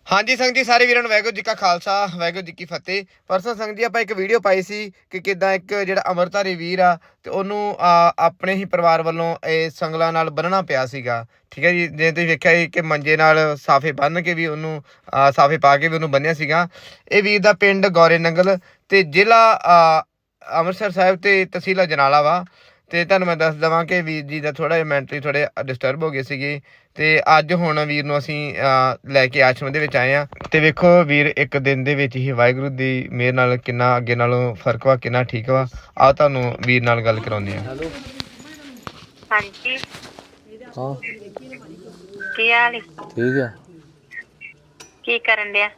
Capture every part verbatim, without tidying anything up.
हाँ जी संग जी सारे वीਰਾਂ ਨੂੰ ਵਾਹਿਗੁਰੂ ਜੀ ਕਾ ਖਾਲਸਾ ਵਾਹਿਗੁਰੂ ਜੀ ਕੀ ਫਤਿਹ। ਪਰਸੋਂ ਸੰਗ ਜੀ ਆਪਾਂ ਇੱਕ ਵੀਡੀਓ ਪਾਈ ਸੀ ਕਿ ਕਿਦਾਂ ਇੱਕ ਜਿਹੜਾ ਅਮਰਤਾਰੀ ਵੀਰ ਆ ਤੇ ਉਹਨੂੰ ਆਪਣੇ ਹੀ ਪਰਿਵਾਰ ਵੱਲੋਂ ਇਹ ਸੰਗਲਾਂ ਨਾਲ ਬੰਨਣਾ ਪਿਆ ਸੀਗਾ। ਠੀਕ ਹੈ ਜੀ, ਜੇ ਤੁਸੀਂ ਵੇਖਿਆ ਸੀ ਕਿ ਮੰਜੇ ਨਾਲ ਸਾਫੇ ਬੰਨ ਕੇ ਵੀ ਉਹਨੂੰ ਸਾਫੇ ਪਾ ਕੇ ਵੀ ਉਹਨੂੰ ਬੰਨਿਆ ਸੀਗਾ। ਇਹ ਵੀਰ ਦਾ ਪਿੰਡ ਗੌਰੇ ਨੰਗਲ ਤੇ ਜ਼ਿਲ੍ਹਾ ਅੰਮ੍ਰਿਤਸਰ ਸਾਹਿਬ ਤੇ ਤਹਿਸੀਲ ਅਜਨਾਲਾ ਵਾ। ਤੇ ਤੁਹਾਨੂੰ ਮੈਂ ਦੱਸ ਦੇਵਾਂ ਕਿ ਵੀਰ ਜੀ ਦਾ ਥੋੜਾ ਜਿਹਾ ਮੈਂਟਲੀ ਥੋੜੇ ਡਿਸਟਰਬ ਹੋ ਗਏ ਸੀਗੇ ਤੇ ਅੱਜ ਹੁਣ ਵੀਰ ਨੂੰ ਅਸੀਂ ਲੈ ਕੇ ਆਸ਼ਰਮ ਦੇ ਵਿੱਚ ਆਏ ਆ। ਤੇ ਵੇਖੋ ਵੀਰ ਇੱਕ ਦਿਨ ਦੇ ਵਿੱਚ ਹੀ ਵਾਹਿਗੁਰੂ ਦੀ ਮਿਹਰ ਨਾਲ ਕਿੰਨਾ ਅੱਗੇ ਨਾਲੋਂ ਫਰਕ ਵਾ, ਕਿੰਨਾ ਠੀਕ ਵਾ। ਆ ਤੁਹਾਨੂੰ ਵੀਰ ਨਾਲ ਗੱਲ ਕਰਾਉਂਦੇ ਆ। ਹੈਲੋ ਹਾਂਜੀ ਹਾਂ ਕੀ ਹਾਲ ਈ? ਠੀਕ ਆ। ਕੀ ਕਰਨ ਡਿਆ?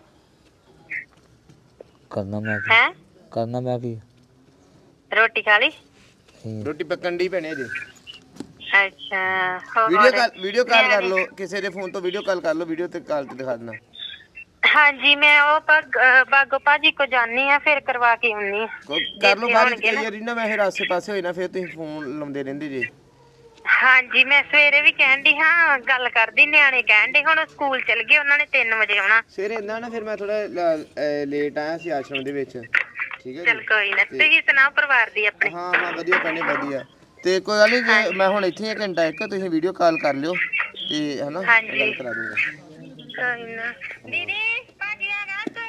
ਕਰਨਾ ਮੈਂ ਕੀ ਹੈ ਕਰਨਾ ਮੈਂ ਕੀ ਰੋਟੀ ਖਾ ਲਈ? ਰੋਟੀ ਪੱਕਣ ਦੀ ਭੈਣੇ ਜੀ। ਅੱਛਾ ਹੋਰ ਵੀਡੀਓ ਕਾਲ ਵੀਡੀਓ ਕਾਲ ਕਰ ਲਓ, ਕਿਸੇ ਦੇ ਫੋਨ ਤੋਂ ਵੀਡੀਓ ਕਾਲ ਕਰ ਲਓ, ਵੀਡੀਓ ਤੇ ਕਾਲ ਤੇ ਦਿਖਾ ਦੇਣਾ। ਹਾਂਜੀ ਮੈਂ ਉਹ ਬਾਗੋ ਭਾਜੀ ਕੋ ਜਾਨੀ ਆ, ਫਿਰ ਕਰਵਾ ਕੇ ਆਉਣੀ ਆ। ਕਰ ਲਓ ਬਾਅਦ ਵਿੱਚ, ਕਈ ਵਾਰੀ ਨਾ ਮੈਂ ਫਿਰ ਆਸੇ ਪਾਸੇ ਹੋਈ ਨਾ ਫਿਰ ਤੁਸੀਂ ਫੋਨ ਲਾਉਂਦੇ ਰਹਿੰਦੇ ਜੀ। ਹਾਂਜੀ ਮੈਂ ਸਵੇਰੇ ਵੀ ਕਹਿਣ ਡਈ ਹਾਂ, ਗੱਲ ਕਰਦੀ, ਨਿਆਣੇ ਕਹਿਣ ਡੇ ਹੁਣ ਸਕੂਲ ਚਲ ਗਏ, ਉਹਨਾਂ ਨੇ ਤਿੰਨ ਵਜੇ ਆਉਣਾ। ਸਵੇਰੇ ਇੰਨਾ ਨਾ ਫਿਰ ਮੈਂ ਥੋੜਾ ਲੇਟ ਆਇਆ ਸੀ ਆਸ਼ਰਮ ਦੇ ਵਿੱਚ। ਠੀਕ ਹੈ ਚਲ ਕੋਈ ਨਾ, ਤੁਸੀਂ ਸੁਣਾਓ ਪਰਿਵਾਰ ਦੀ ਆਪਣੇ? ਹਾਂ ਹਾਂ ਵਧੀਆ ਭੈਣੇ ਵਧੀਆ। ਤੇ ਕੋਈ ਗੱਲ ਨਹੀਂ, ਜੇ ਮੈਂ ਹੁਣ ਇੱਥੇ ਹੀ ਘੰਟਾ ਇੱਕ ਤੁਸੀਂ ਵੀਡੀਓ ਕਾਲ ਕਰ ਲਿਓ ਤੇ ਹਨਾ ਗੱਲ ਕਰਾ ਦੂੰਗਾ। ਕੋਈ ਨਾ ਦੀਦੀ ਭਾਜੀ ਆ ਗਾ ਤੇ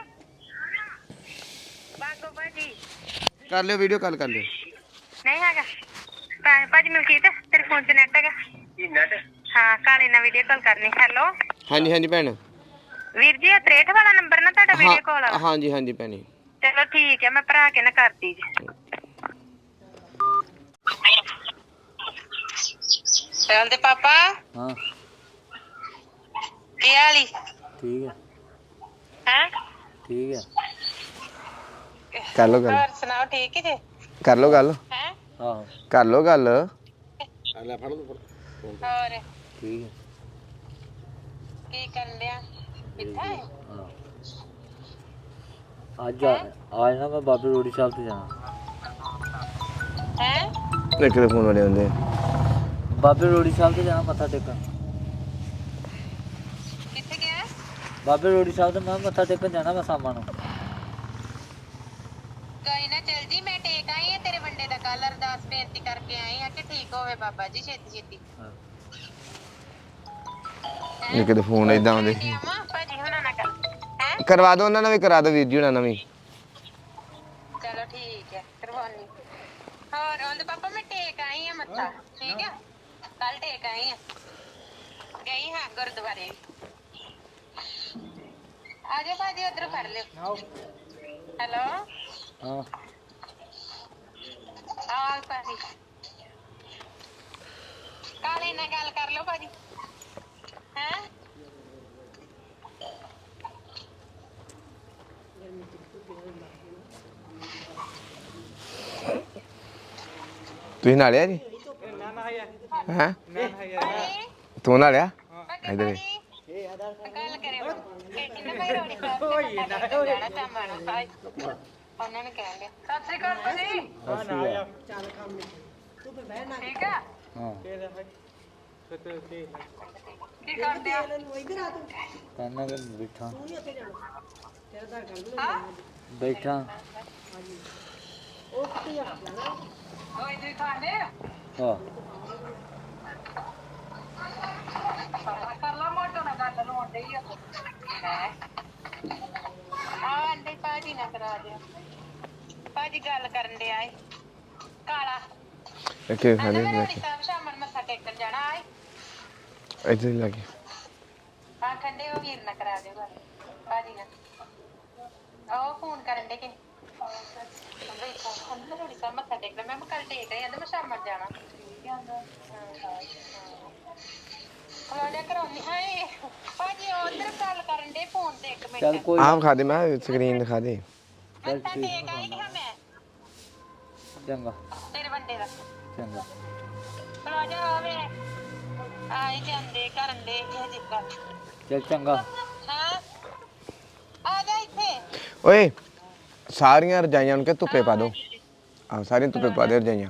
ਬਾਗੋ ਭਾਜੀ ਕਰ ਲਿਓ, ਵੀਡੀਓ ਕਾਲ ਕਰ ਲਿਓ। ਨਹੀਂ ਹੈਗਾ ਭਾਜੀ ਮਲਕੀਤ, ਤੇਰੇ ਫੋਨ 'ਚ ਨੈਟ ਹੈਗਾ? ਨੈਟ ਹਾਂ, ਕਾਲੇ ਨਾਲ ਵੀਡੀਓ ਕਾਲ ਕਰਨੀ। ਹੈਲੋ ਹਾਂਜੀ ਹਾਂਜੀ ਭੈਣ। ਵੀਰ ਜੀ ਤਰੇਹਠ ਵਾਲਾ ਨੰਬਰ ਨਾ ਤੁਹਾਡਾ ਵੀਡੀਓ ਕਾਲ ਵਾਲਾ? ਹਾਂਜੀ ਹਾਂਜੀ ਭੈਣੇ ਚਲੋ ਠੀਕ ਹੈ, ਮੈਂ ਭਰਾ ਕੇ ਨਾ ਕਰਦੀ ਜੀ। ਚੱਲਦੇ ਪਾਪਾ। ਹਾਂ ਕੀ ਹਾਲ ਈ? ਠੀਕ ਆ ਹੈ ਠੀਕ ਆ। ਕਰ ਲਓ ਗੱਲ। ਹੋਰ ਸੁਣਾਓ ਠੀਕ ਜੀ? ਕਰ ਲਓ ਗੱਲ। ਹੈ ਆਹੋ ਕਰ ਲਓ ਗੱਲ। ਲੈ ਫੜ ਲਓ ਹੋਰ ਠੀਕ ਕੀ ਕਰਨ ਡਿਆ? ਕਿੱਥੇ ਹੈ? ਆ। ਅੱਜ ਆ ਅੱਜ ਨਾ ਮੈਂ ਬਾਬੇ ਰੋੜੀ ਸਾਹਿਬ ਤੇ ਜਾਣਾ। ਹੈ ਇੱਕ ਦੇ ਫੋਨ ਵਾਲੇ ਹੁੰਦੇ ਬਾਬੇ ਰੋੜੀ ਸਾਹਿਬ ਤੇ ਜਾਣਾ ਮੱਥਾ ਟੇਕਣ। ਕਿੱਥੇ ਗਿਆ? ਬਾਬੇ ਰੋੜੀ ਸਾਹਿਬ ਤੇ ਮੈਂ ਮੱਥਾ ਟੇਕਣ ਜਾਣਾ ਮੈਂ ਸ਼ਾਮਾਂ ਨੂੰ। ਕੋਈ ਨਾ ਚੱਲ ਜੀ, ਮੈਂ ਟੇਕ ਆਈ ਆ ਤੇਰੇ ਵੰਡੇ ਦਾ ਕੱਲ, ਅਰਦਾਸ ਬੇਨਤੀ ਕਰਕੇ ਆਈ ਆ ਕਿ ਠੀਕ ਹੋਵੇ ਬਾਬਾ ਜੀ ਛੇਤੀ ਛੇਤੀ। ਇੱਕ ਦੇ ਫੋਨ ਏਦਾਂ ਆਉਂਦੇ ਭਾਜੀ ਹੁਣਾਂ ਨਾਲ ਗੱਲ ਹੈ ਕਰਵਾ ਦਿਓ, ਉਹਨਾਂ ਨਾਲ ਵੀ ਕਰਾ ਦਿਓ ਵੀਰ ਜੀ ਉਹਨਾਂ ਨਾਲ ਵੀ। ਚਲੋ ਠੀਕ ਹੈ ਕਰਵਾਉਣੀ। ਹੋਰ ਉਹਦੇ ਪਾਪਾ ਮੈਂ ਟੇਕ ਆਈ ਆ ਮੱਥਾ, ਠੀਕ ਆ ਕੱਲ ਟੇਕ ਆਈ ਆ, ਗਈ ਹਾਂ ਗੁਰਦੁਆਰੇ। ਆ ਜਾਓ ਭਾਜੀ ਉਧਰ ਫੜ ਲਿਓ। ਹੈਲੋ ਹਾਂ ਆ ਭਾਜੀ ਕਾਲੇ ਨਾਲ ਗੱਲ ਕਰ ਲਓ ਭਾਜੀ। ਹੈ ਤੁਸੀਂ ਨਾਲਿਆ ਜੀ? ਹੈ ਤੂੰ ਨਾਲਿਆ ਇਧਰ ਗੱਲ ਕਰਿਓ ਕਿੰਨੇ ਭਾਈ ਰੋਣੀ ਸਾਹਿਬ ਜਾਣਾ ਸ਼ਾਮਾਂ ਨੂੰ ਭਾਈ ਉਹਨਾਂ ਨੇ ਕਹਿ ਲਿਆ। ਸਤਿ ਸ੍ਰੀ ਅਕਾਲ ਭਾਜੀ। ਹਾਂ ਨਾ ਆ ਚੱਲ ਕੰਮ ਤੂੰ ਤੇ ਬਹਿਣਾ ਠੀਕ ਆ। ਹਾਂ ਕੀ ਕਰਦੇ ਆ? ਕਰਨਾ ਕਿ ਬੈਠਾ ਹਾਂ ਬੈਠਾ ਉਹ ਇਧਰ ਖਾਣੇ ਹਾਂ ਕਰ ਲਾ ਮੋਟੋ ਨਾਲ ਗੱਲ ਨੂੰ ਆਉਂਦੇ ਹੀ ਆ ਆ ਅੰਡੇ ਭਾਜੀ ਨਾ ਕਰਾ ਦਿਓ। ਭਾਜੀ ਗੱਲ ਕਰਨ ਡਿਆ ਏ ਕਾਲਾ। ਇੱਥੇ ਆਂਦਾ ਖਾਣੇ ਮੈਂ ਰੋਟੀ ਸਾਹਿਬ ਸ਼ਾਮਾਂ ਨੂੰ ਮੱਥਾ ਟੇਕਣ ਜਾਣਾ ਏ। ਇੱਥੇ ਹੀ ਲੱਗੇ ਹਾਂ ਠੰਡੇ ਹੋ ਵੀਰ ਨਾ ਕਰਾ ਦਿਓ ਗੱਲ ਭਾਜੀ ਨਾਲ। ਉਹ ਫੋਨ ਕਰਨ ਡੇ ਕਿ ਬਈ ਫੋਨ ਰੋਟੀ ਸਾਹਿਬ ਮੱਥਾ ਟੇਕਣਾ। ਮੈਂ ਕੱਲ ਟੇਕ ਆਈ, ਆਂਦਾ ਮੈਂ ਸ਼ਾਮਾਂ ਨੂੰ ਜਾਣਾ। ਖਲੋਜਾ ਕਰਾਉਣੀ ਹਾਏ ਭਾਜੀ ਉਧਰ ਗੱਲ ਕਰਨ ਡੇ ਫੋਨ ਤੇ ਇੱਕ ਚੱਲ ਮਿੰਟ। ਕੋਈ ਆਮ ਖਾ ਦੇ, ਮੈਂ ਸਕਰੀਨ ਦਿਖਾ ਦੇ। ਮੱਥਾ ਟੇਕ ਆਈ ਹਾਂ ਮੈਂ ਚੰਗਾ ਤੇਰੇ ਵੰਡੇ ਦਾ। ਚੰਗਾ ਖਲੋਜਾ ਆਵੇ ਆਈ ਜਾਂਦੇ ਕਰਨ ਦੇ ਇਹ ਜਿੱਕਾ। ਚੱਲ ਚੰਗਾ ਹਾਂ ਆ ਜਾ ਇੱਥੇ। ਓਏ ਸਾਰੀਆਂ ਰਜਾਈਆਂ ਨੂੰ ਕਿ ਧੁੱਪੇ ਪਾ ਦੋ। ਆਹ ਸਾਰੀਆਂ ਧੁੱਪੇ ਪਾ ਦੇ ਰਜਾਈਆਂ।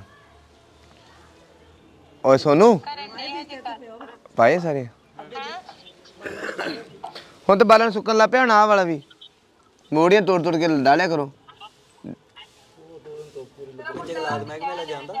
ਓਏ ਸੋਨੂ ਕਰਨ ਦੇ ਇਹ ਜਿੱਕਾ। ਪਾਏ ਸਾਰੇ। ਹਾਂ ਹੁਣ ਤੇ ਬਾਲਣ ਸੁੱਕਣ ਲੱਗ ਪਿਆ ਹੁਣ ਆਹ ਵਾਲਾ ਵੀ ਮੋੜੀਆਂ ਤੋੜ ਤੋੜ ਕੇ ਡਾਲਿਆ ਕਰੋ। ਜੰਗਲਾਤ ਮਹਿਕਮੇ ਲੈ ਜਾਂਦਾ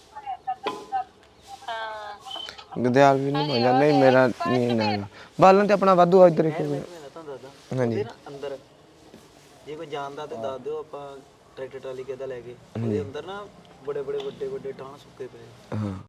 ਹਾਂ ਗਦਿਆਲ ਵੀ ਨਹੀਂ ਹੋ ਜਾਂਦਾ ਮੇਰਾ ਨਹੀਂ ਨਾ ਬਾਲਣ ਤੇ ਆਪਣਾ ਵਾਧੂ ਆ ਇੱਧਰ ਇੱਕ ਮੈਂ ਤੁਹਾਨੂੰ ਦੱਸਦਾ ਹਾਂਜੀ ਉਹਦੇ ਨਾ ਅੰਦਰ ਜੇ ਕੋਈ ਜਾਣਦਾ ਤੇ ਦੱਸ ਦਿਓ ਆਪਾਂ ਟਰੈਕਟਰ ਟਰਾਲੀ ਕਿੱਦਾਂ ਲੈ ਕੇ ਉਹਦੇ ਅੰਦਰ ਨਾ ਬੜੇ ਬੜੇ ਵੱਡੇ ਵੱਡੇ ਟਾਣ ਸੁੱਕੇ ਪਏ ਹਾਂ